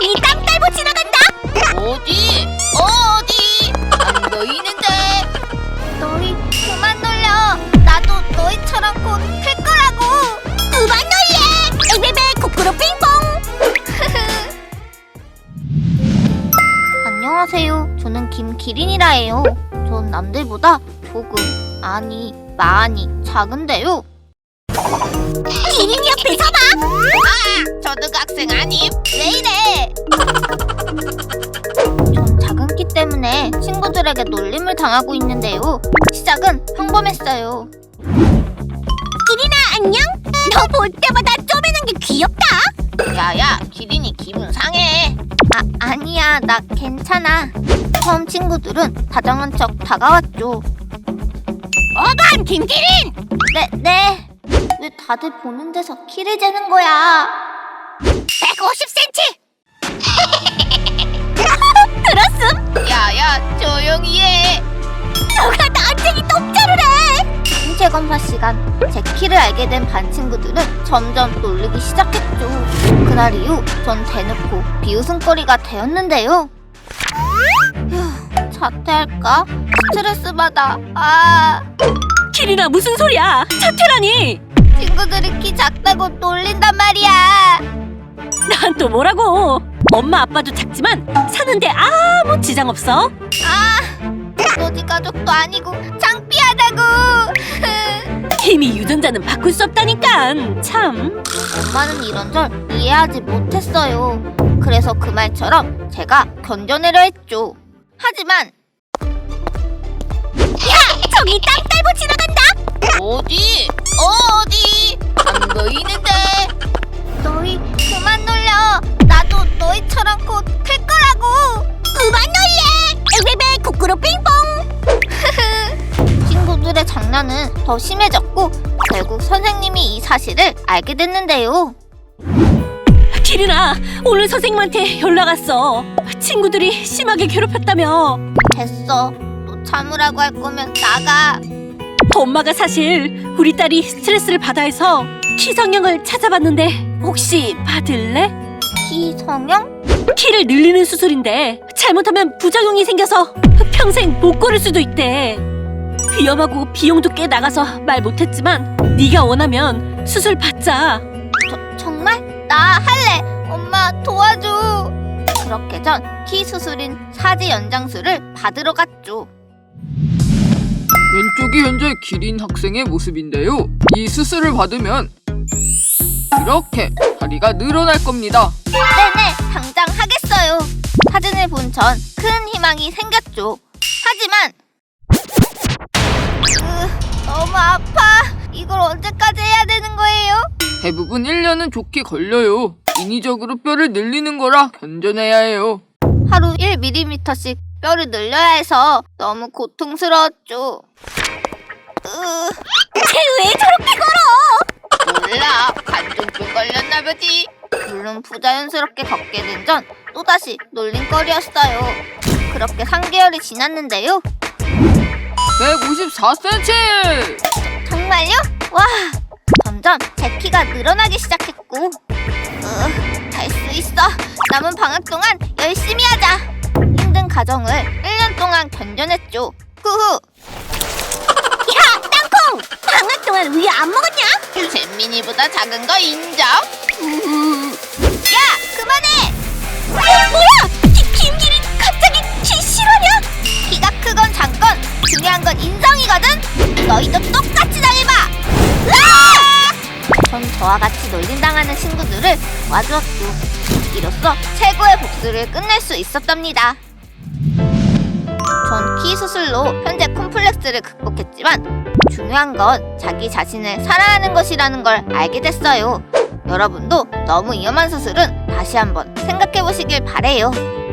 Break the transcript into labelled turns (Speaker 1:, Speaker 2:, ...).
Speaker 1: 저기 땅 딸보 지나간다!
Speaker 2: 어디? 어디? 안 보이는데?
Speaker 1: 너희 그만 놀려. 나도 너희처럼 곧 클 거라고. 그만 놀래! 에베베 코코로 핑퐁! 안녕하세요. 저는 김기린이라 해요. 전 남들보다 조금, 아니 많이 작은데요. 기린이 옆에 서봐!
Speaker 2: 초등학생 아님?
Speaker 1: 왜 이래? 전 작은 키 때문에 친구들에게 놀림을 당하고 있는데요. 시작은 평범했어요. 기린아 안녕? 너 볼 때마다 쪼매는 게 귀엽다.
Speaker 2: 야야, 기린이 기분 상해.
Speaker 1: 아니야, 나 괜찮아. 처음 친구들은 다정한 척 다가왔죠.
Speaker 2: 어반 김기린!
Speaker 1: 네. 왜 다들 보는 데서 키를 재는 거야?
Speaker 2: 150cm!
Speaker 1: 들었음?
Speaker 2: 야야, 조용히 해.
Speaker 1: 너가 나한테 이 독자를 해! 신체 검사 시간. 제 키를 알게 된 반 친구들은 점점 놀리기 시작했죠. 그날 이후 전 대놓고 비웃음거리가 되었는데요. 휴, 자퇴할까? 스트레스 받아.
Speaker 3: 기린아 무슨 소리야? 자퇴라니?
Speaker 1: 친구들이 키 작다고 놀린단 말이야.
Speaker 3: 난 또 뭐라고? 엄마 아빠도 작지만 사는데 아무 지장 없어.
Speaker 1: 너지 가족도 아니고 창피하다고.
Speaker 3: 이미 유전자는 바꿀 수 없다니까. 참.
Speaker 1: 엄마는 이런 걸 이해하지 못했어요. 그래서 그 말처럼 제가 견뎌내려 했죠. 하지만 저기 땅 딸보 지나간다!
Speaker 2: 어디? 어디? 안 보이는데?
Speaker 1: 너희 그만 놀려. 나도 너희처럼 곧 클 거라고. 그만 놀래! 에베베 코코로 핑퐁! 친구들의 장난은 더 심해졌고 결국 선생님이 이 사실을 알게 됐는데요.
Speaker 3: 기린아 오늘 선생님한테 연락 왔어. 친구들이 심하게 괴롭혔다며.
Speaker 1: 됐어. 또 참으라고 할 거면 나가.
Speaker 3: 엄마가 사실 우리 딸이 스트레스를 받아 해서 키 성형을 찾아봤는데 혹시 받을래?
Speaker 1: 키 성형?
Speaker 3: 키를 늘리는 수술인데 잘못하면 부작용이 생겨서 평생 못 걸을 수도 있대. 위험하고 비용도 꽤 나가서 말 못했지만 네가 원하면 수술 받자.
Speaker 1: 정말? 나 할래. 엄마 도와줘. 그렇게 전 키 수술인 사지 연장술을 받으러 갔죠.
Speaker 4: 왼쪽이 현재 기린 학생의 모습인데요. 이 수술을 받으면 이렇게 다리가 늘어날 겁니다.
Speaker 1: 네네, 당장 하겠어요. 사진을 본 전 큰 희망이 생겼죠. 하지만 너무 아파. 이걸 언제까지 해야 되는 거예요?
Speaker 4: 대부분 1년은 좋게 걸려요. 인위적으로 뼈를 늘리는 거라 견뎌내야 해요.
Speaker 1: 하루 1mm씩 뼈를 늘려야 해서 너무 고통스러웠죠. 쟤 왜 저렇게 걸어?
Speaker 2: 몰라, 관중병 걸렸나 보지.
Speaker 1: 물론 부자연스럽게 걷게 된 전 또다시 놀림거리였어요. 그렇게 3개월이 지났는데요.
Speaker 4: 154cm!
Speaker 1: 정말요? 와! 점점 제 키가 늘어나기 시작했고 할 수 있어. 남은 방학 동안 열심히 하자. 힘든 가정을 1년 동안 견뎌냈죠. 후후. 야! 땅콩! 방학 동안 우유 안 먹었냐?
Speaker 2: 잼민이보다 작은 거 인정?
Speaker 1: 야! 그만해! 뭐야! 김기린 갑자기 키 실화냐? 키가 크건 작건 중요한 건 인성이거든? 너희도 똑같이 당해봐! 전 저와 같이 놀림당하는 친구들을 와주었고 이로써 최고의 복수를 끝낼 수 있었답니다. 전 키 수술로 현재 콤플렉스를 극복했지만 중요한 건 자기 자신을 사랑하는 것이라는 걸 알게 됐어요. 여러분도 너무 위험한 수술은 다시 한번 생각해 보시길 바래요.